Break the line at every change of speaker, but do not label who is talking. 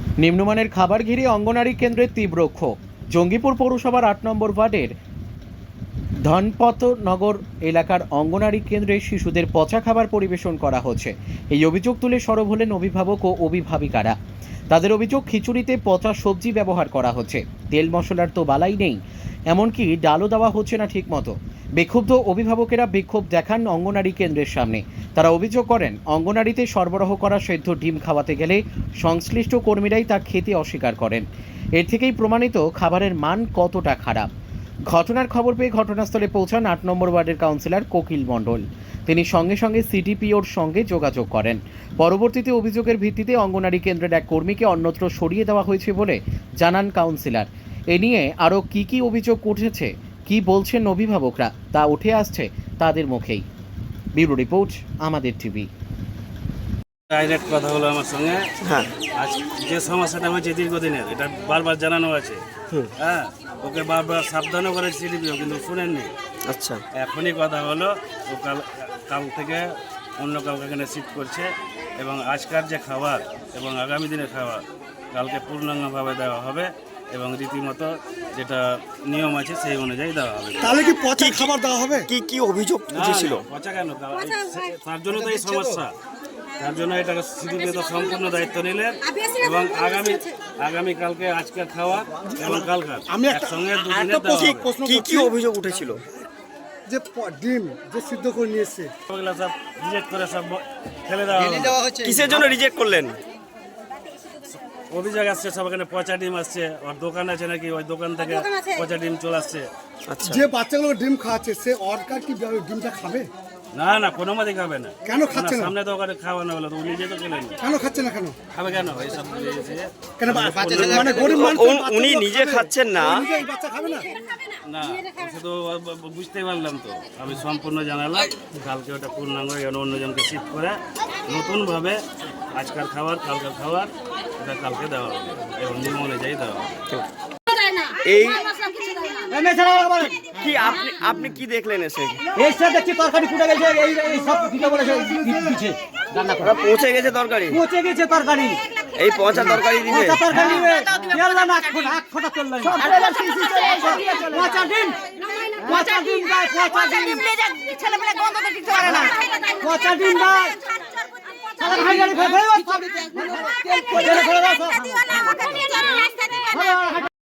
নিম্নমানের খাবার ঘিরে অঙ্গনারী কেন্দ্রের তীব্র ক্ষোভ। জঙ্গিপুর পৌরসভার ৮ নম্বর ওয়ার্ডের ধনপতনগর এলাকার অঙ্গনারী কেন্দ্রে শিশুদের পচা খাবার পরিবেশন করা হচ্ছে। এই অভিযোগ তুলে সরব হলেন অভিভাবক ও অভিভাবিকারা। তাদের অভিযোগ, খিচুড়িতে পচা সবজি ব্যবহার করা হচ্ছে, তেল মশলার তো বালাই নেই, এমনকি ডালও দেওয়া হচ্ছে না ঠিক মতো। বিক্ষুব্ধ অভিভাবকেরা বিক্ষোভ দেখান অঙ্গনারী কেন্দ্রের সামনে। তারা অভিযোগ করেন, অঙ্গনারীতে সরবরাহ করা সেদ্ধ ডিম খাওয়াতে গেলে সংশ্লিষ্ট কর্মীরাই তা খেতে অস্বীকার করেন। এর থেকেই প্রমাণিত খাবারের মান কতটা খারাপ। ঘটনার খবর পেয়ে ঘটনাস্থলে পৌঁছান ৮ নম্বর ওয়ার্ডের কাউন্সিলর কোকিল মণ্ডল। তিনি সঙ্গে সঙ্গে সিডিপিওর সঙ্গে যোগাযোগ করেন। পরবর্তীতে অভিযোগের ভিত্তিতে অঙ্গনারী কেন্দ্রের এক কর্মীকে অন্যত্র সরিয়ে দেওয়া হয়েছে বলে জানান কাউন্সিলর। এ নিয়ে আরও কী অভিযোগ উঠেছে, কি বলছেন অভিভাবকরা, তা উঠে আসছে তাদের মুখেই। ব্যুরো রিপোর্ট, আমাদের টিভি।
ডাইরেক্ট কথা হলো আমার সঙ্গে।
হ্যাঁ,
আজ যে সমস্যাটা হয়েছে দীর্ঘদিনের, এটা বারবার জানানো আছে। হ্যাঁ, ওকে বারবার সাবধানও করে সিডিপিও, কিন্তু শুনেননি।
আচ্ছা,
এখনই কথা হলো, ও কাল থেকে অন্য কাউকে এখানে শিফট করছে, এবং আজকার যে খাবার এবং আগামী দিনের খাবার কালকে পূর্ণাঙ্গভাবে দেওয়া হবে, এবং রীতিমতো যেটা নিয়ম আছে সেই অনুযায়ী দেওয়া হবে।
তাহলে কি পচা খাবার দেওয়া হবে?
কি কি অভিযোগ
না,
উঠেছিল?
পচা কেন? তার জন্য তো এই সমস্যা। তার জন্য এটা সিডিপিও তো সম্পূর্ণ দায়িত্ব নিলেন, এবং আগামী কালকে আজকে খাওয়া এবং কালকার
আমি
একসঙ্গে
একটা
দুদিনের
প্রশ্ন
কি
করছি,
কি অভিযোগ উঠেছিল?
যে ডিম যে সিদ্ধ করে নিয়ে এসছে,
ওগুলো সব রিজেক্ট করে সব ফেলে দেওয়া হবে।
কিসের জন্য রিজেক্ট করলেন?
অভিযোগ আসছে সব এখানে পচা ডিম আসছে, ওর দোকান আছে নাকি, ওই দোকান থেকে পচা ডিম চলে আসছে।
আচ্ছা,
যে বাচ্চাগুলো ডিম খাওয়াচ্ছে সে অর্কার কি ডিমটা খাবে?
না না, কোনো মতে খাবে না।
কেন খাচ্ছে না?
সামনে তো ওখানে খাওয়ানো হলো, তো উনি নিজে তো খেলেন না।
কেন খাচ্ছে না? কেন
খাবে কেন এইসব?
কেন মানে গরিব মানুষ
উনি নিজে খাচ্ছেন না?
এই বাচ্চা খাবে না?
না, শুধু বুঝতেই পারলাম তো, আমি সম্পূর্ণ জানালাম। কালকে ওটা পূর্ণাঙ্গ অন্যজনকে শিফট করে নতুনভাবে আজকাল খাবার কালকার খাবার এটা কালকে দেওয়া হবে, এবং নিয়ম অনুযায়ী দেওয়া হবে।
এই কি আপনি কি দেখলেন এসে?
দেখছি তরকারি ফুটে গেছে, এই সব দিতে বলেছে দিচ্ছে রান্না করে।
পৌঁছে গেছে তরকারি?
পচে গেছে তরকারি,
এই পচা তরকারি দিবে?
পচা তরকারি তেল না আখ ফোটা তেল নাই। পচা ডিম, পচা ডিম দেয়, পচা ডিম,
ছেলেপেলে গন্ধ তো ঠিক করে না।
পচা ডিম দেয়। সারা ভাই গাড়ি ফেলে দাও, সব তেল ফেলে দাও, সব